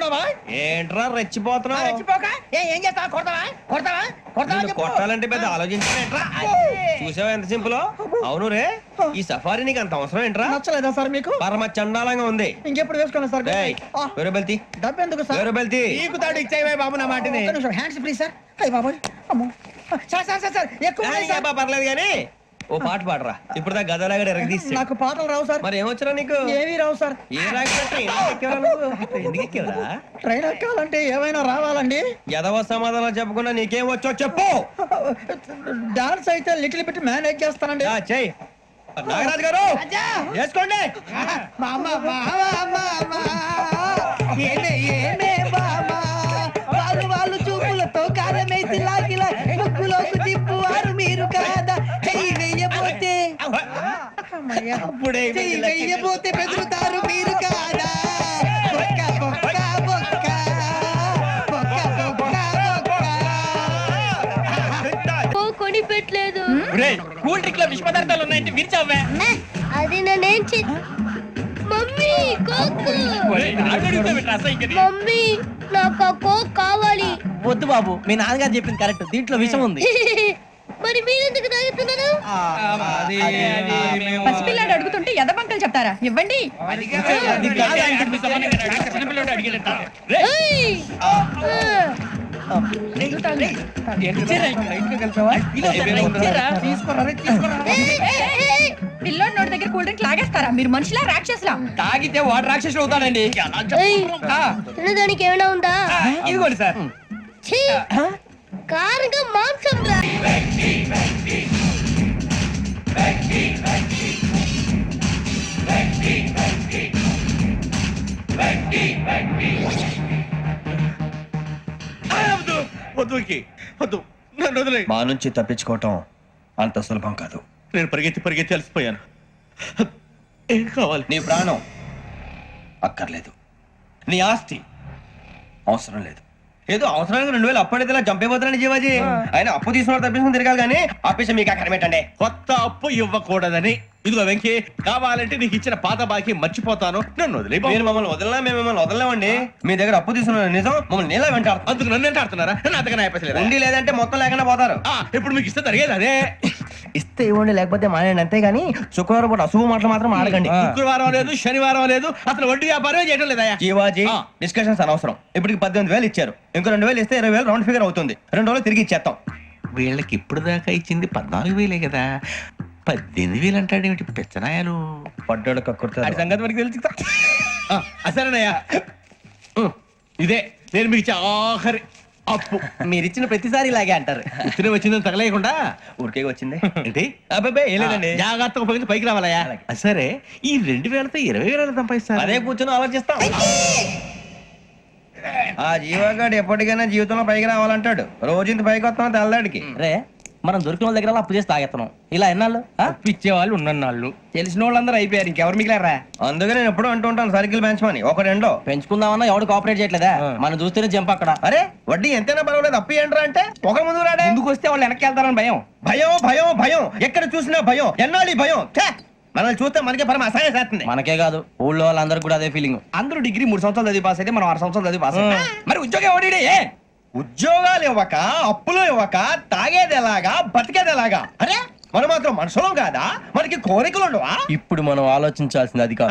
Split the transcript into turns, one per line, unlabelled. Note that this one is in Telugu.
ఉన్నావా?
ఏంట్రా రెచ్చిపోతున్నావు?
రెచ్చిపోక ఏం చేస్తావా? కొడతావా కొడతావా కొడతావా
నిన్ను కొట్టాలంటే పెద్ద ఆలోచించలేట్రా. చూసావా ఎంత సింపుల్. అవును రే, ఈ సఫారీ నీకు అంత అవసరం ఏంట్రా?
నచ్చలేదా సార్ మీకు?
పరమ చండాలంగా ఉంది.
ఇంకెప్పుడు వేసుకోండి సార్.
వేరే బెల్తి
డబ్బు ఎందుకు సార్?
వేరే బెల్తి
నీకు తాడు ఇచ్చావే బాబు నా మాటని.
Hands please sir. అయ్యి బాబోయ్, అమ్మో సార్ సార్ సార్ సార్ ఎక్కువ ఉన్నాయి సార్.
పర్లేదు కానీ ఓ పాట పాడరా. ఇప్పుడు దా గదలాగడ ఎరగదీసి.
నాకు పాటలు రావు సార్.
మరి ఏమొచ్చరా నీకు?
ఏమీ రావు సార్.
ఏ రాకపోతే ఎందుకు ఎక్కేవరా?
ట్రైన్ ఎక్కాలంటే ఏమైనా రావాలండి.
ఎదవ సమాధానం చెప్పకుండా నీకేం వచ్చో చెప్పు.
డాన్స్ అయితే లిటిల్ బిట్ మేనేజ్ చేస్తానండి.
చెయ్యి నాగరాజు గారు వేసుకోండి.
వాళ్ళు చూపులతో కారమేసి లాగిలా ముగ్గులోకి తిప్పువారు మీరు కాదా? చెయ్యి వెయ్యబోతే చెయ్యి వెయ్యబోతే బెదురుతారు మీరు కాదా? బొక్క బొక్క బొక్క బొక్క బొక్క బొక్క.
కొని పెట్టలేదు.
కూల్ డ్రింక్ లో విష పదార్థాలు ఉన్నాయంటే విరిచావే.
అది నేనేం మమ్మీ కోక్. మమ్మీ నాకు ఆ కోక్ కావాలి.
వద్దు బాబు, మీ నాన్నగారు చెప్పింది కరెక్ట్. దీంట్లో విషయం ఉంది.
మరి మీరెందుకు తాగుతున్నారు?
పసిపిల్లాడు అడుగుతుంటే ఎదబంకలు చెప్తారా? ఇవ్వండి.
ఏయ్!
పిల్లోడి నోటి దగ్గర కూల్ డ్రింక్ లాగేస్తారా? మీరు మనుషులా రాక్షసులా?
తాగితే వాడు రాక్షసుడు అవుతాడండి.
ఏయ్! తినడానికి ఏమైనా ఉందా?
ఇదిగోండి సార్.
ఛీ! కారంగా మాంసం రా.
వద్దు వద్దు, నన్ను వదిలే.
మా నుంచి తప్పించుకోవటం అంత సులభం కాదు.
నేను పరిగెత్తి అలసిపోయాను. ఏం కావాలి?
నీ ప్రాణం అక్కర్లేదు, నీ ఆస్తి అవసరం లేదు. ఏదో అవసరానికి 2000 అప్పటిలా చంపేపోతున్నాడు జీవాజీ. ఆయన అప్పు తీసుకున్న తప్పించుకుని తిరగాలి కానీ ఆపేసి మీకు అక్కడ పెట్టండి.
కొత్త అప్పు ఇవ్వకూడదని. ఇదిగో వెంకీ, కావాలంటే నీకు ఇచ్చిన పాత బాకీ మర్చిపోతాను, నన్ను వదిలే.
మీరు మమ్మల్ని వదలనా? మేము మిమ్మల్ని వదలలేమండి. మీ దగ్గర అప్పు తీసుకున్న నిజం మమ్మల్ని నీలా వెంటాడు.
అందుకు నన్ను ఎంత ఆడుతున్నారా? నన్ను అంతగా అయిపోలేదు.
ఉండి లేదంటే మొత్తం లేకుండా పోతారు.
ఇప్పుడు మీకు ఇస్తే జరిగేది అదే.
ఇస్తే ఇవ్వండి, లేకపోతే మానేయండి. అంతేగాని శుక్రవారం పూట అశుభ మాటలు మాత్రం ఆడకండి.
శుక్రవారం లేదు, శనివారం లేదు, అసలు వడ్డీ వ్యాపారమే చేయడం లేదా?
జీవాజీ డిస్కషన్స్ అనవసరం. ఇప్పటికి 18,000 ఇచ్చారు. ఇంకో 2,000 ఇస్తే 20,000 రౌండ్ ఫిగర్ అవుతుంది. 2 రోజులు తిరిగి ఇచ్చేస్తాం.
వీళ్ళకి ఇప్పుడు దాకా ఇచ్చింది 14,000 కదా, 18,000 అంటాడేమిటి పెచ్చనాయాలు?
పడ్డాడు కక్కుర్తాడు.
సంగతి మనకి తెలుసు. అసలేనయ్యా, ఇదే నేను మీకు ఇచ్చే ఆఖరి అప్పు.
మీరు ఇచ్చిన ప్రతిసారి ఇలాగే అంటారు.
ఇతనే వచ్చిందని తగలేయకుండా
ఊరికే వచ్చింది
ఏంటి?
అబ్బాయి ఏం లేదండి.
జాగ్రత్తగా ఉపయోగించి పైకి రావాలయ్యా. సరే, ఈ 2,000తో 20,000 సంపాదిస్తారు.
అదే కూర్చొని ఆలోచిస్తాం. ఆ జీవగాడు ఎప్పటికైనా జీవితంలో పైకి రావాలంటాడు. రోజు ఇంత పైకి వస్తాం తెల్లడికి.
రే, మనం దొరికిన వాళ్ళ దగ్గర అప్పు చేసి తాగెత్తనం. ఇలా ఎన్నాళ్ళు
ఇచ్చే వాళ్ళు ఉన్నన్నాళ్ళు తెలిసిన వాళ్ళందరూ అయిపోయారు, ఇంకెవరు మిగిలారా?
అందుకే నేను ఎప్పుడు అంటూ ఉంటాను సర్కిల్ పెంచమని. ఒక రెండో
పెంచుకుందామన్నా ఎవడు కోఆపరేట్ చేయట్లేదా? మనం చూస్తేనే జంప్ అక్కడ.
అరే వడ్డీ ఎంతైనా పర్వాలేదు, అప్పు ఏంట్రా అంటే ఒక ముందు రాడే.
ముందుకు వస్తే వాళ్ళు వెనక్కి వెళ్తారని భయం.
భయం భయం భయం, ఎక్కడ చూసినా భయం. ఎన్నాళ్ళు భయం? మనల్ని చూస్తే మనకే పరమ అసహాయం చేస్తుంది.
మనకే కాదు, ఊళ్ళో వాళ్ళందరికీ కూడా అదే ఫీలింగ్.
అందరూ డిగ్రీ 3 సంవత్సరాలు చదివి పాస్ అయితే మనం 6 సంవత్సరాలు చదివి పాస్ అయ్యాం. మరి ఉద్యోగం ఎవడి?
ఉద్యోగాలు ఇవ్వక, అప్పులు ఇవ్వక, తాగేది ఎలాగా, బతికేది ఎలాగా? అరే మనం మాత్రం మనుషులం కాదా? మనకి కోరికలు ఉండవా?
ఇప్పుడు మనం ఆలోచించాల్సింది అది కాదు.